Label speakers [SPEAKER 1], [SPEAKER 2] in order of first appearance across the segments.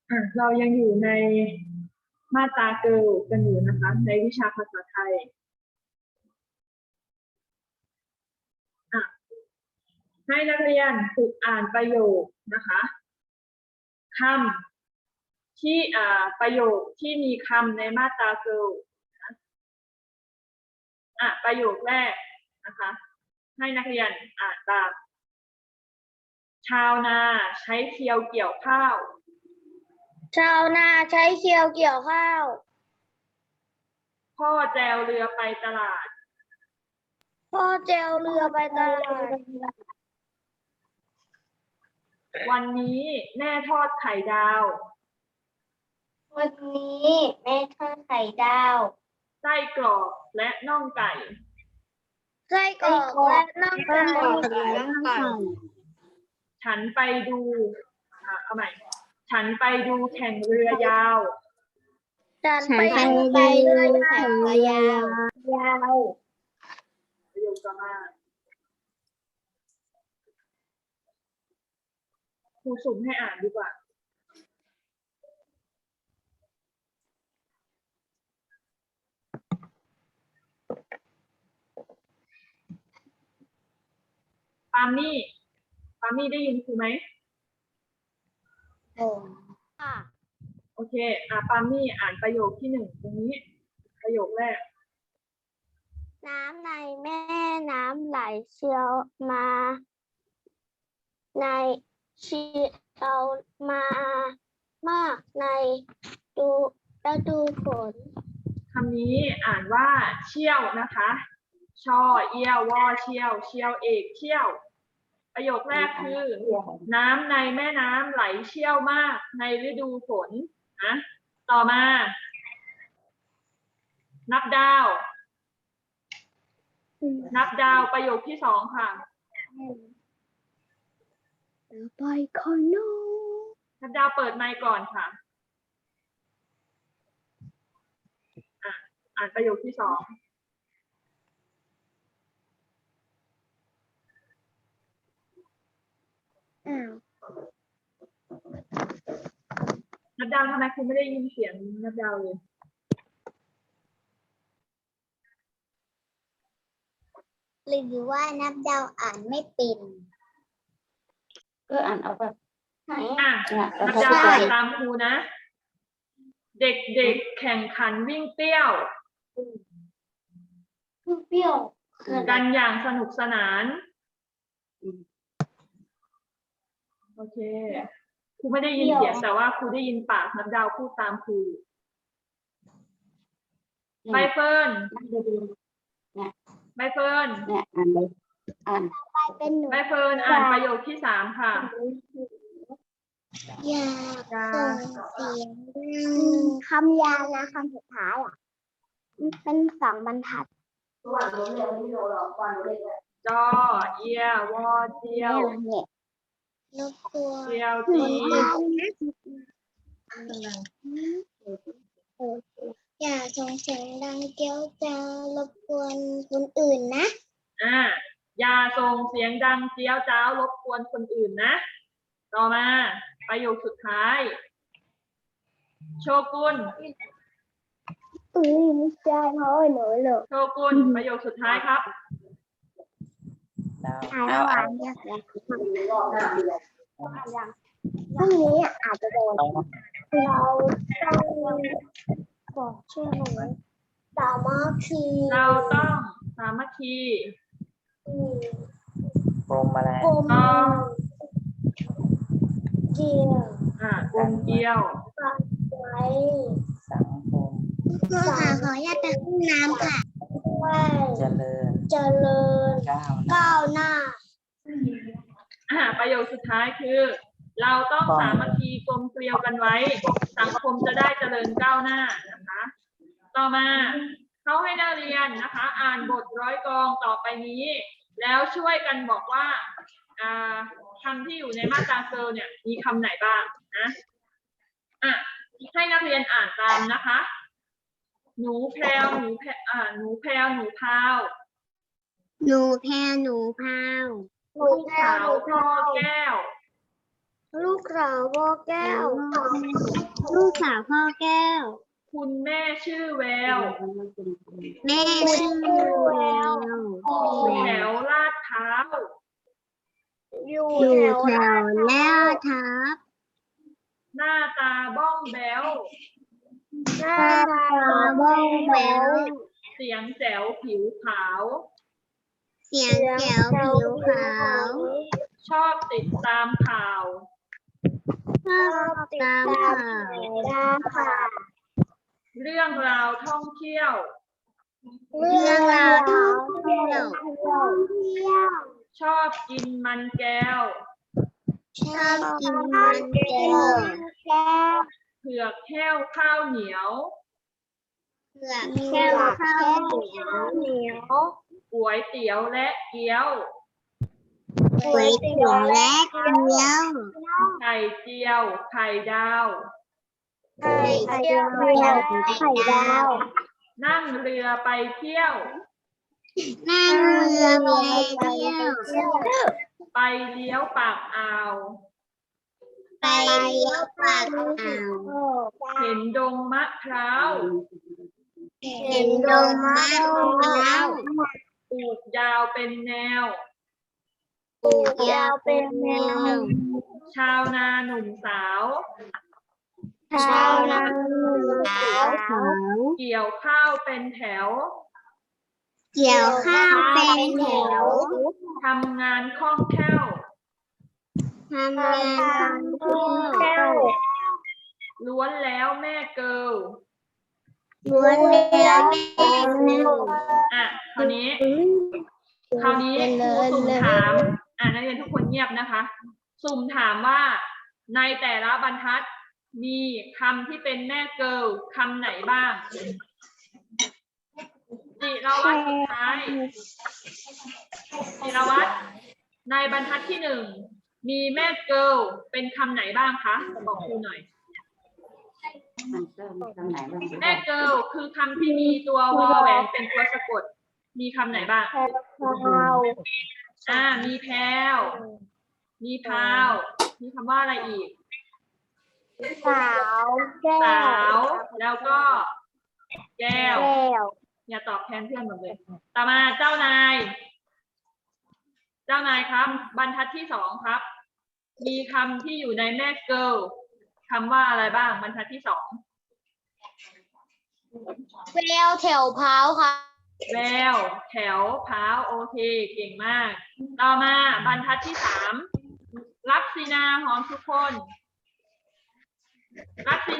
[SPEAKER 1] เรายังอยู่ในมาตราเกิลกันอยู่นะคะในวิชาภาษาไทยให้นักเรียนฝึกอ่านประโยคนะคะคำที่ประโยคที่มีคำในมาตราเกิลประโยคแรกนะคะให้นักเรียนอ่านตามชาวนาใช้เคียวเกี่ยวข้าว
[SPEAKER 2] ชาวนาใช้เคียวเกี่ยวข้าว
[SPEAKER 1] พ่อแจวเรือไปตลาด
[SPEAKER 2] พ่อแจวเรือไปตลาด
[SPEAKER 1] วันนี้แม่ทอดไข่ดาว
[SPEAKER 2] วันนี้แม่ทอดไข่ดาว
[SPEAKER 1] ไส้กรอกและน่องไก่
[SPEAKER 2] ไส้กรอกและน่องไก่
[SPEAKER 1] ฉันไปดูเอาใหม่ฉันไปดูแข่งเรือยาว
[SPEAKER 2] ฉันไปดูแข่งเรือยาว
[SPEAKER 1] ประโยคต่อมาครูสุ่มให้อ่านดีกว่าปามี่ได้ยินครูไหม
[SPEAKER 2] ค่ะ
[SPEAKER 1] โอเคปามี่อ่านประโยคที่1ตรงนี้ประโยคแรก
[SPEAKER 2] น้ำในแม่น้ำไหลเชี่ยวมาในเชี่ยวมามากในฤดูฝน
[SPEAKER 1] คำนี้อ่านว่าเชี่ยวนะคะชอเอี้ยววอเชี่ยวเชี่ยวเอกเชี่ยวประโยคแรกคือน้ำในแม่น้ำไหลเชี่ยวมากในฤดูฝนนะต่อมานับดาวประโยคที่2ค่ะ
[SPEAKER 2] ไปคอนโน
[SPEAKER 1] นับดาวเปิดไมค์ก่อนค่ะอ่านประโยคที่2นับดาวทำไมคุณไม่ได้ยินเสียงนับดาวเลย
[SPEAKER 2] หรือว่านับดาวอ่านไม่เป็น
[SPEAKER 3] ก็อ่านเอาแบบไหน
[SPEAKER 1] นับดาวอ่านตามครูนะเด็กๆแข่งขันวิ่งเปรี้ยวกันอย่างสนุกสนานโอเคครูไม่ได้ยินเสียงแต่ว่าครูได้ยินปากนับดาวพูดตามครูใบเฟิร์น
[SPEAKER 3] เนี่ยอ่านเลย
[SPEAKER 2] เป็นหนู
[SPEAKER 1] ใบเฟิร์นอ่านประโยคที่3ค่ะ
[SPEAKER 2] อยากส่งเสียงคำยาวนะคำสุดท้ายเป็น2 บรรทัด
[SPEAKER 1] จอเอียวอเจียว
[SPEAKER 2] รบกวน
[SPEAKER 1] เจียวจี
[SPEAKER 2] อย่าส่งเสียงดังเกี้ยวจ้ารบกวนคนอื่นนะ
[SPEAKER 1] อย่าส่งเสียงดังเจียวจ้าวรบกวนคนอื่นนะต่อมาประโยคสุดท้ายโชกุน
[SPEAKER 2] ไม่ใช่เพราะหนูหรอก
[SPEAKER 1] โชกุนประโยคสุดท้ายครับ
[SPEAKER 2] ระหว่างเนี่ยพรุ่งนี้อาจจะโดนเราต้องบอกชื่อหนูสามัคคี
[SPEAKER 1] เราต้องสามัคคี
[SPEAKER 3] กรมอะไร
[SPEAKER 2] กลมเกี่ยว
[SPEAKER 1] กลมเกลียว
[SPEAKER 2] ไว้
[SPEAKER 3] สังคม
[SPEAKER 2] ขออนุญาตไปห้องน้ำค่ะ
[SPEAKER 3] เจริญ
[SPEAKER 2] ก้าวหน้า
[SPEAKER 1] ประโยคสุดท้ายคือเราต้องสามัคคีกลมเกลียวกันไว้สังคมจะได้เจริญก้าวหน้านะคะต่อมาเขาให้นักเรียนนะคะอ่านบทร้อยกลองต่อไปนี้แล้วช่วยกันบอกว่าคำที่อยู่ในมาตราเกิลเนี่ยมีคำไหนบ้างนะให้นักเรียนอ่านตามนะคะหนูแพรวหนูพาว
[SPEAKER 2] หนูแพรหนูพาว
[SPEAKER 1] ลูกสาวพ่อแก้ว
[SPEAKER 2] ลูกสาวพ่อแก้ว ลูกสาวพ่อแก้ว
[SPEAKER 1] คุณแม่ชื่อแวว
[SPEAKER 2] แม่ชื่อแวว
[SPEAKER 1] อยู่แถวลาดพร้าว
[SPEAKER 2] อยู่แถวแล้วทับ
[SPEAKER 1] หน้าตาบ้องแบ้ว
[SPEAKER 2] หน้าตาบ้องแบ้ว
[SPEAKER 1] เสียงแจ๋วผิวขาว
[SPEAKER 2] เสียงแจ๋วผิวขาว
[SPEAKER 1] ชอบติดตามข่าว
[SPEAKER 2] ชอบตามข่าว
[SPEAKER 1] เรื่องราวท่องเที่ยว
[SPEAKER 2] เรื่องราวท่องเที่ยว
[SPEAKER 1] ชอบกินมันแก้ว
[SPEAKER 2] ชอบกินมันแก้ว
[SPEAKER 1] เผือกแห้วข้าวเหนียว
[SPEAKER 2] เผือกแก้วข้าวเหนียว
[SPEAKER 1] ก๋วยเตี๋ยวและเกี๊ยว
[SPEAKER 2] ก๋วยเตี๋ยวและเกี๊ยว
[SPEAKER 1] ไข่เจียว ไข่ดาว
[SPEAKER 2] ไข่เจียวไข่ดาว
[SPEAKER 1] นั่งเรือไปเที่ยว
[SPEAKER 2] นั่งเรือไปเที่ยว
[SPEAKER 1] ไปเลี้ยวปากอ่าว
[SPEAKER 2] ไปเลี้ยวปากอ่าว
[SPEAKER 1] เห็นดงมะพร้าว
[SPEAKER 2] เห็นดงมะพร้าว
[SPEAKER 1] ปลูกยาวเป็นแนว
[SPEAKER 2] ปลูกยาวเป็นแนว
[SPEAKER 1] ชาวนาหนุ่มสาว
[SPEAKER 2] ชาวนาสาว
[SPEAKER 1] เกี่ยวข้าวเป็นแถว
[SPEAKER 2] เกี่ยวข้าวเป็นแถว
[SPEAKER 1] ทำงานคล่องแคล่ว
[SPEAKER 2] ทำงานคล่องแคล่ว
[SPEAKER 1] ล้วนแล้วแม่เกิล
[SPEAKER 2] ล้วนแล้วแม่เกิล
[SPEAKER 1] อ่ะคราวนี้ครูสุ่มถามนักเรียนทุกคนเงียบนะคะ สุ่มถามว่าในแต่ละบรรทัดมีคำที่เป็นแม่เกิลคำไหนบ้างจิรวัตรสุดท้ายจิรวัตรในบรรทัดที่หนึ่งมีแม่เกิลเป็นคำไหนบ้างคะบอกครูหน่อย
[SPEAKER 3] มันเริ่มตรงไหนบ้าง
[SPEAKER 1] แม่เกิลคือคำที่มีตัววอแหวนเป็นตัวสะกดมีคำไหนบ้างมีแพรวมีพราวมีคำว่าอะไรอีก
[SPEAKER 2] สาวแก้ว
[SPEAKER 1] สาวแล้วก็แก้ว
[SPEAKER 2] แก้ว
[SPEAKER 1] อย่าตอบแทนเพื่อนหมดเลยต่อมาเจ้านาย เจ้านายครับ บรรทัดที่สองครับ มีคำที่อยู่ในแม่เกิลคำว่าอะไรบ้างบรรทัดที่สอง
[SPEAKER 2] แววแถวพร้าวค่ะ
[SPEAKER 1] แววแถวพร้าวโอเคเก่งมาก ต่อมาบรรทัดที่สามลักษินาหอมทุกคนลักษิ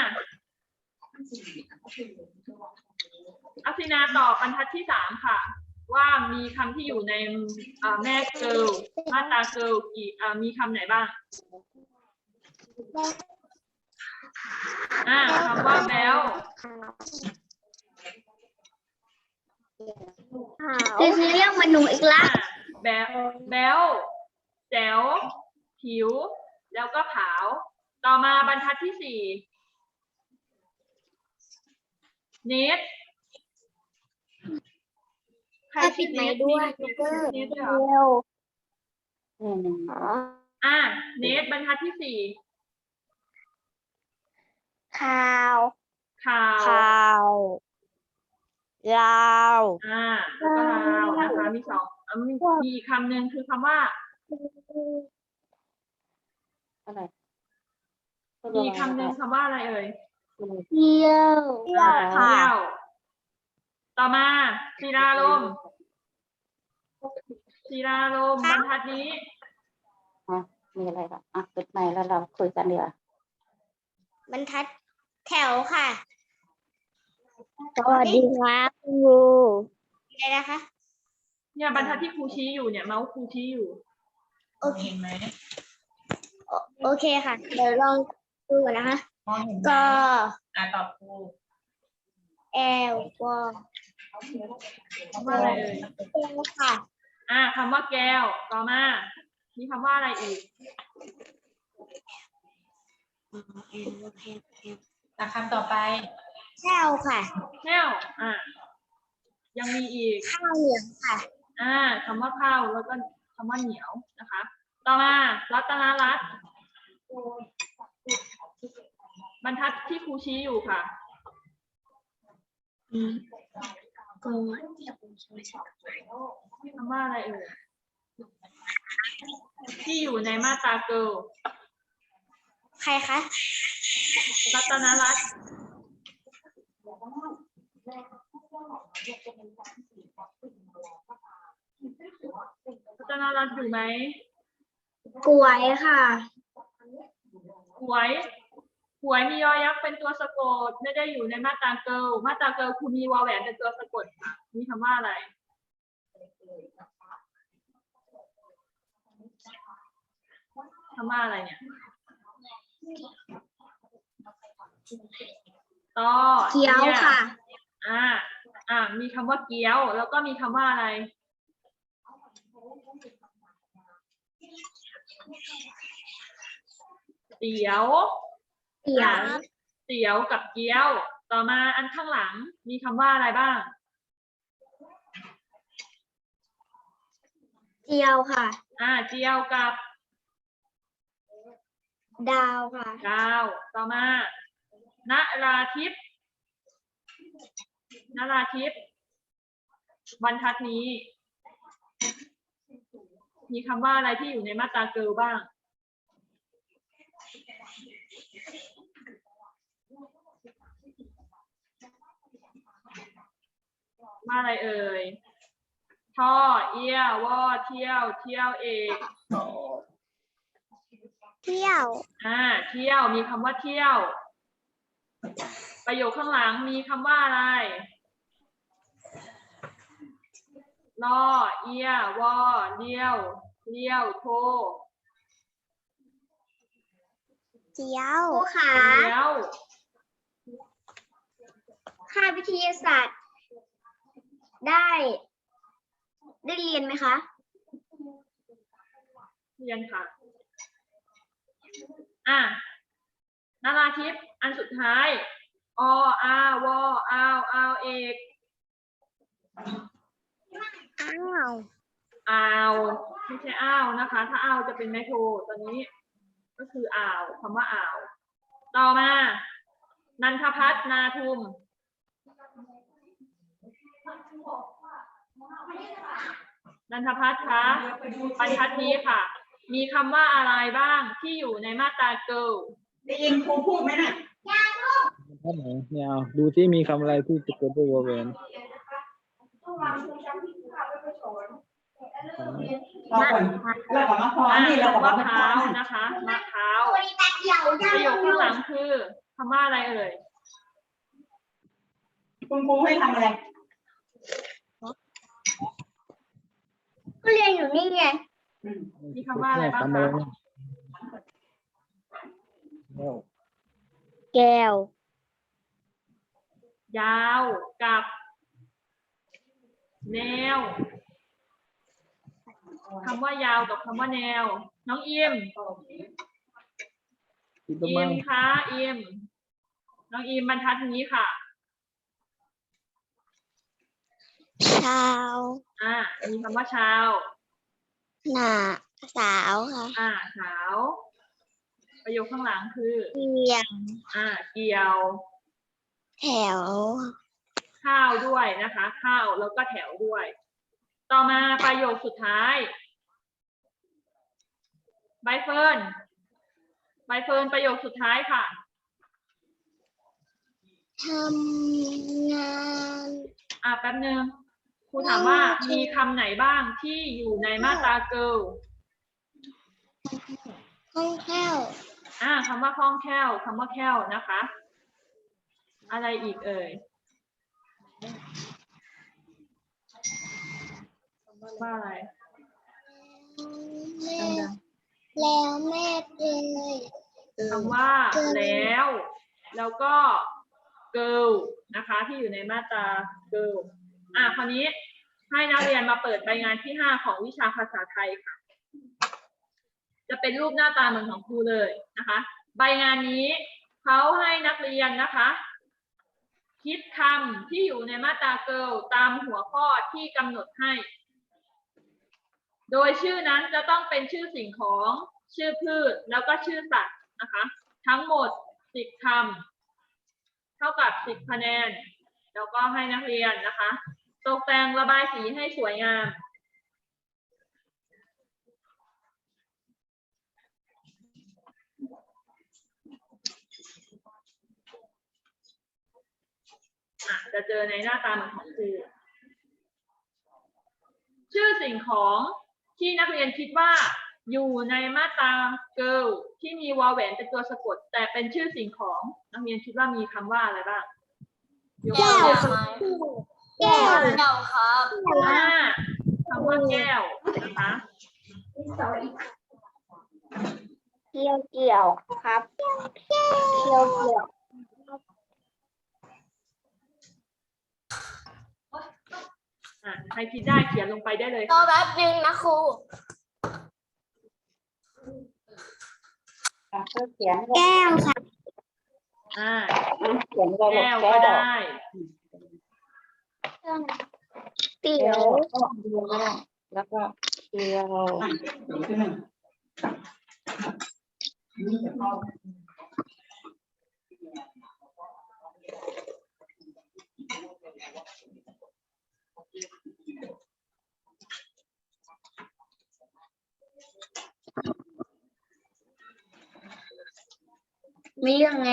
[SPEAKER 1] นาตอบบรรทัดที่สามค่ะ ว่ามีคำที่อยู่ในแม่เกิลมาตราเกิลมีคำไหนบ้างคำว่าแบล
[SPEAKER 2] คือเรียกมันหนูอีกละ
[SPEAKER 1] แบลแจ๋วผิวแล้วก็ขาวต่อมาบรรทัดที่สี่เนทใครคิดเนทด้วยเนทด้วยเหรอ เนทบรรทัดที่สี่
[SPEAKER 2] ข่าว
[SPEAKER 1] ข่าว
[SPEAKER 2] ลาว
[SPEAKER 1] แล้วก็ลาวนะคะมีสองมีอีกคำหนึ่งคือคำว่า
[SPEAKER 3] อะไร
[SPEAKER 1] มีคำหนึ่งคำว่าอะไรเอ่ย
[SPEAKER 2] เที่ยว
[SPEAKER 1] เที่ยวต่อมาศิลาลมบรรทัดนี้
[SPEAKER 3] มีอะไรบ้างปิดไมค์แล้วเราคุยกันเดี๋ยว
[SPEAKER 2] บรรทัดแถวค่ะสวัสดีครับครูอะไรนะคะ
[SPEAKER 1] เนี่ยบรรทัดที่ครูชี้อยู่เนี่ยเมาส์ครูชี้อยู่
[SPEAKER 2] โอเค
[SPEAKER 1] เห็นไหม
[SPEAKER 2] โอเคค่ะ เดี๋ยวลองดูก่อนนะคะ
[SPEAKER 1] มองเห็นไหม
[SPEAKER 2] ก็
[SPEAKER 1] ตอบครู
[SPEAKER 2] แอลวอ
[SPEAKER 1] คำว่าอะไรเอ่ย
[SPEAKER 2] ค่ะ
[SPEAKER 1] คำว่าแก้วต่อมามีคำว่าอะไรอีกคำต่อไป
[SPEAKER 2] แก้วค่ะ
[SPEAKER 1] แก้วยังมีอีก
[SPEAKER 2] ข้าวเหนียวค่ะ
[SPEAKER 1] คำว่าข้าวแล้วก็คำว่าเหนียวนะคะ ต่อมารัตนรัตน์บรรทัดที่ครูชี้อยู่ค่ะ
[SPEAKER 2] ก็
[SPEAKER 1] คำว่าอะไรเอ่ยที่อยู่ในมาตราเกิล
[SPEAKER 2] ใครคะ
[SPEAKER 1] รัตนรัตน์รัตนรัตน์อยู่ไหม
[SPEAKER 2] กล้วยค่ะ
[SPEAKER 1] หวยมียอยักษ์เป็นตัวสะกดไม่ได้อยู่ในมาตราเกิลมาตราเกิลคือมีวอแหวนเป็นตัวสะกดค่ะมีคำว่าอะไรคำว่าอะไรเนี่ยต่อ
[SPEAKER 2] เกี๊ยวค่ะ
[SPEAKER 1] มีคำว่าเกี๊ยวแล้วก็มีคำว่าอะไรเตี๋ยวเตี๋ยวกับเกี๊ยวต่อมาอันข้างหลังมีคำว่าอะไรบ้าง
[SPEAKER 2] เจียวค่ะ
[SPEAKER 1] เจียวกับ
[SPEAKER 2] ดาวค่ะ
[SPEAKER 1] ดาวต่อมานราธิปนราธิปบรรทัดนี้ มีคำว่าอะไรที่อยู่ในมาตราเกิลบ้างว่าอะไรเอ่ยท่อเอี้ยวอเที่ยวเที่ยวเอก
[SPEAKER 2] เที่ยว
[SPEAKER 1] เที่ยวมีคำว่าเที่ยวประโยคข้างหลังมีคำว่าอะไรลอเอี้ยวอเลี้ยวเลี้ยวโท
[SPEAKER 2] เจียวค่ะ
[SPEAKER 1] เที่ยว
[SPEAKER 2] ค่าวิทยาศาสตร์ ได้เรียนไหมคะ
[SPEAKER 1] เรียนค่ะนราธิปอันสุดท้ายออาวออาวเอกอ่าวไม่ใช่อ้าวนะคะถ้าอ้าวจะเป็นไมโทรตอนนี้ก็คืออ่าวคำว่าอ่าวต่อมานันทพัฒน์นาทุมนันทพัฒน์คะบรรทัดนี้ค่ะมีคำว่าอะไรบ้างที่อยู่ในมาตราเกิลได้ยินครูพูดไหมน่ะ
[SPEAKER 4] ท่านไหนไม่เอาดูที่มีคำอะไรที่สะกดด้วยวอแหวน
[SPEAKER 1] เรากับมะพร้าวนี่เรากับมะพร้าวนะคะมะพร้าวประโยคข้างหลังคือคำว่าอะไรเอ่ยคุณครูให้ทำอะไร
[SPEAKER 2] ก็เรียนอยู่นี่ไง
[SPEAKER 1] มีคำว่าอะไรบ้างคะ
[SPEAKER 2] แก้ว
[SPEAKER 1] ยาวกับแนวคำว่ายาวกับคำว่าแนวน้องอิมคะอิมน้องอิมบรรทัดนี้ค่ะ
[SPEAKER 2] เช้า
[SPEAKER 1] มีคำว่าเช้า
[SPEAKER 2] หน้าสาวค่ะ
[SPEAKER 1] สาวประโยคข้างหลังคือ
[SPEAKER 2] เกี่ยว
[SPEAKER 1] เกี่ยว
[SPEAKER 2] แถว
[SPEAKER 1] ข้าวด้วยนะคะข้าวแล้วก็แถวด้วยต่อมาประโยคสุดท้ายใบเฟิร์นประโยคสุดท้ายค่ะ
[SPEAKER 2] ทำงาน
[SPEAKER 1] แป๊บนึงครูถามว่ามีคำไหนบ้างที่อยู่ในมาตราเกิล
[SPEAKER 2] ห้องแถว
[SPEAKER 1] คำว่าคล่องแคล่วคำว่าแคล่วนะคะ อะไรอีกเอ่ยว่าอะไร
[SPEAKER 2] แล้วแม่เอ่ย
[SPEAKER 1] คำว่าแล้วก็เกิลนะคะที่อยู่ในมาตราเกิลคราวนี้ให้นักเรียนมาเปิดใบงานที่ 5ของวิชาภาษาไทยค่ะจะเป็นรูปหน้าตาเหมือนของครูเลยนะคะใบงานนี้เขาให้นักเรียนนะคะคิดคำที่อยู่ในมาตราเกิลตามหัวข้อที่กำหนดให้โดยชื่อนั้นจะต้องเป็นชื่อสิ่งของชื่อพืชแล้วก็ชื่อสัตว์นะคะ ทั้งหมด10คำเท่ากับ10คะแนนแล้วก็ให้นักเรียนนะคะตกแต่งระบายสีให้สวยงามจะเจอในหน้าตาของครูชื่อสิ่งของที่นักเรียนคิดว่าอยู่ในมาตรา girl ที่มีวอลแหวนเป็นตัวสะกดแต่เป็นชื่อสิ่งของนักเรียนคิดว่ามีคำว่าอะไรบ้างยกตัวอย่าง
[SPEAKER 2] แก้ว
[SPEAKER 3] ครับ
[SPEAKER 1] คำว่าแก้วนะคะ
[SPEAKER 2] เกี่ยวครับเกี่ยว
[SPEAKER 1] ใครคิดได้เขียนลงไปได้เลย
[SPEAKER 3] รอแป๊บนึงนะครูเขียน
[SPEAKER 2] แก้วค่ะ
[SPEAKER 3] เขียน
[SPEAKER 1] แก้วก็ได้
[SPEAKER 2] เตี๋ยว
[SPEAKER 3] แล้วก็เกียว
[SPEAKER 2] มีเรื่องไง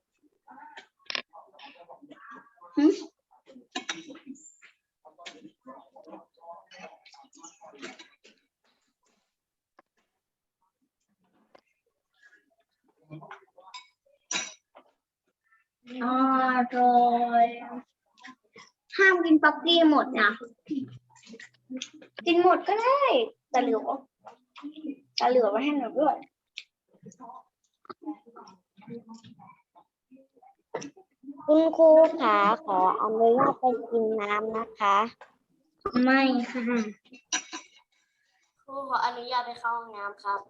[SPEAKER 2] อร่อยห้ามกินป๊อกกี้หมดนะกินหมดก็ได้แต่เหลือไว้ให้หนูด้วยคุณครูขาขออนุญาตไปกินน้ำนะคะ ไม่ค่ะครูขออนุญาตไปเข้าห้องน้ำครับ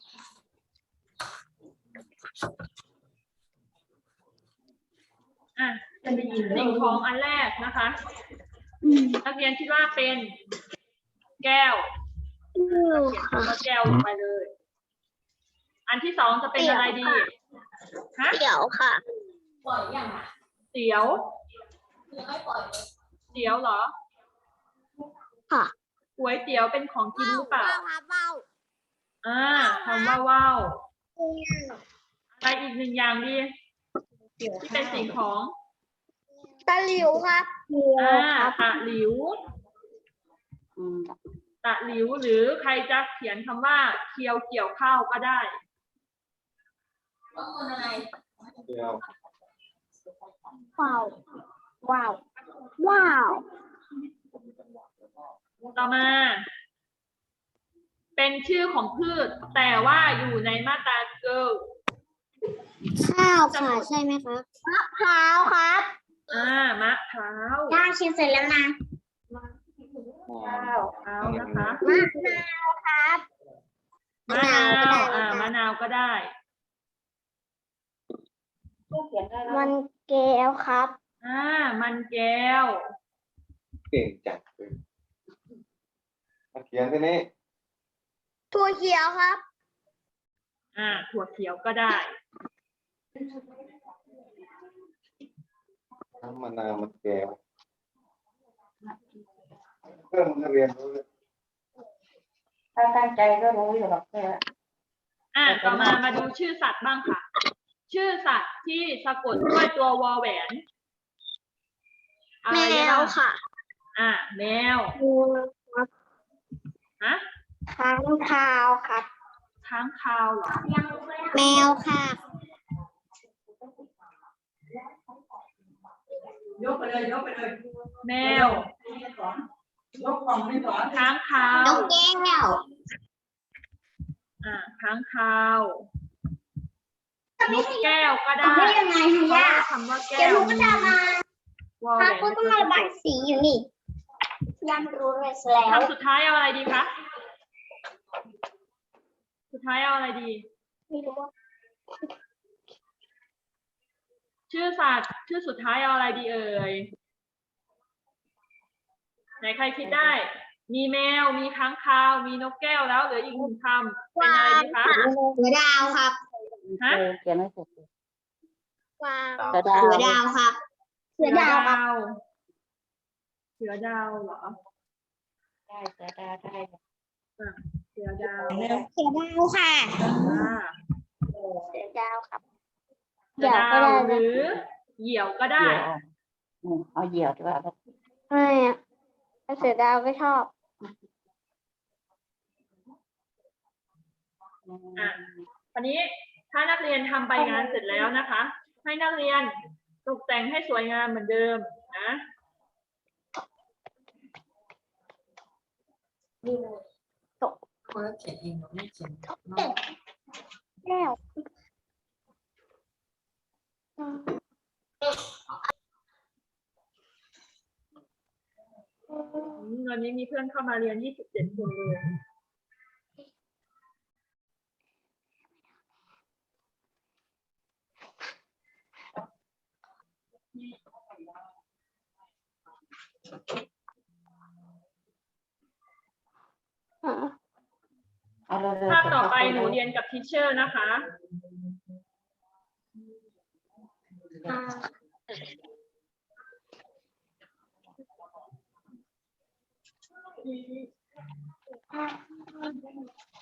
[SPEAKER 1] สิ่งของอันแรกนะคะนักเรียนคิดว่าเป็นแก้วเขียนคำว่าแก้วลงไปเลย อันที่สองจะเป็นอะไรดีฮะ
[SPEAKER 2] เตี๋ยวค่ะ
[SPEAKER 3] ปล่อยยังอ่ะ
[SPEAKER 1] เตี๋ยว
[SPEAKER 3] ยังไม่ปล่อยเลย
[SPEAKER 1] เตี๋ยวเหรอ
[SPEAKER 2] ค่ะ
[SPEAKER 1] ก๋วยเตี๋ยวเป็นของกินหรือเปล่า
[SPEAKER 2] ว้าว
[SPEAKER 1] คำว่าว่าวอะไรอีกหนึ่งอย่างดีที่เป็นสิ่งของ
[SPEAKER 2] ตะหลิวครับ
[SPEAKER 1] ตะหลิว ตะหลิวหรือใครจะเขียนคำว่าเคียวเกี่ยวข้าวก็ได้
[SPEAKER 3] ต้องคนอะไร
[SPEAKER 2] ว้าว
[SPEAKER 1] ต่อมา เป็นชื่อของพืช แต่ว่าอยู่ในมาตราเกิล
[SPEAKER 2] ข้าวค่ะใช่ไหมครับมะพร้าวครับ
[SPEAKER 1] มะพร้าว
[SPEAKER 2] ย่าชิมเสร็จแล้วนะ
[SPEAKER 1] เอานะคะ
[SPEAKER 2] มะนาวครับ
[SPEAKER 1] มะนาวมะนาวก็ได้
[SPEAKER 3] เขียนได้แล้ว
[SPEAKER 2] มันแก้วครับ
[SPEAKER 1] มันแก้ว
[SPEAKER 5] เก่งจังเลยมาเขียนที่นี้
[SPEAKER 2] ถั่วเขียวครับ
[SPEAKER 1] ถั่วเขียวก็ได้
[SPEAKER 5] น้ำมะนาวมันแก้วเพื่อนมันเรียนรู้เลย
[SPEAKER 3] ถ้าตั้งใจก็รู้อยู่หรอกเพื่อน
[SPEAKER 1] ต่อมาดูชื่อสัตว์บ้างค่ะ ชื่อสัตว์ที่สะกดด้วยตัววอแหวนอะไร
[SPEAKER 2] แม
[SPEAKER 1] ได้บ้าง
[SPEAKER 2] วค่ะ
[SPEAKER 1] แมวฮะ
[SPEAKER 2] ค้างคาวครับ
[SPEAKER 1] ค้างคาวเหรอ
[SPEAKER 2] แมวค่ะ
[SPEAKER 6] ยกไปเลย
[SPEAKER 1] แมว
[SPEAKER 6] ยกกล่องให้สอน
[SPEAKER 1] ค้างคาว
[SPEAKER 2] น้องแก้ว
[SPEAKER 1] ค้างคาวนกแก้วก็ได้
[SPEAKER 2] ได้ยังไง
[SPEAKER 1] เพ
[SPEAKER 2] ฮะ
[SPEAKER 1] ราะ
[SPEAKER 2] ย่า
[SPEAKER 1] ว่าคำว่าแก้
[SPEAKER 2] เดี๋ยวห
[SPEAKER 1] ว
[SPEAKER 2] นูก็จะมาว
[SPEAKER 1] อแหว
[SPEAKER 2] พาน คุณต้องมาระบายสีอยู่นี่ย่ารู้เลยแล้ว
[SPEAKER 1] คำสุดท้ายเอาอะไรดีคะ สุดท้ายเอาอะไรดี
[SPEAKER 2] ไม่รู้ว่า
[SPEAKER 1] ชื่อสัตว์ชื่อสุดท้ายเอาอะไรดีเอ่ยไหนใครคิดได้ มีแมวมีค้างคาวมีนกแก้วแล้วเหลืออีกหนึ่งคำเป็นอะไรดีคะ
[SPEAKER 2] หัวดาวครับ
[SPEAKER 1] ฮะ
[SPEAKER 3] เขียนไม่เสร็จ
[SPEAKER 2] กวาง
[SPEAKER 3] เสือดาว
[SPEAKER 2] เสือดาวครับ เสือดาวครับ
[SPEAKER 1] เสือดาวเหรอ
[SPEAKER 3] ได้เสือดาวได้
[SPEAKER 1] เสือดาว
[SPEAKER 2] เสือดาวค่ะ
[SPEAKER 1] อ่า
[SPEAKER 2] เสือดาวครับ
[SPEAKER 1] เสือดาวหรือเหยี่ยวก็ได้
[SPEAKER 3] เอาเหยี่ยวดีกว่า
[SPEAKER 2] ไม่อะเสือดาวก็ชอบ
[SPEAKER 1] อ่ะ คราวนี้ถ้านักเรียนทำใบงานเสร็จแล้วนะคะ ให้นักเรียนตกแต่งให้สวยงามเหมือนเดิมนะ
[SPEAKER 6] คนละเขียนเองเราไม่เขียน
[SPEAKER 2] แก้ว
[SPEAKER 1] วันนี้มีเพื่อนเข้ามาเรียน 27 คนเลย
[SPEAKER 3] เอาเร็ว
[SPEAKER 1] ภาพต่อไปหนูเรียนกับทีเชอร์นะคะ
[SPEAKER 2] อ่า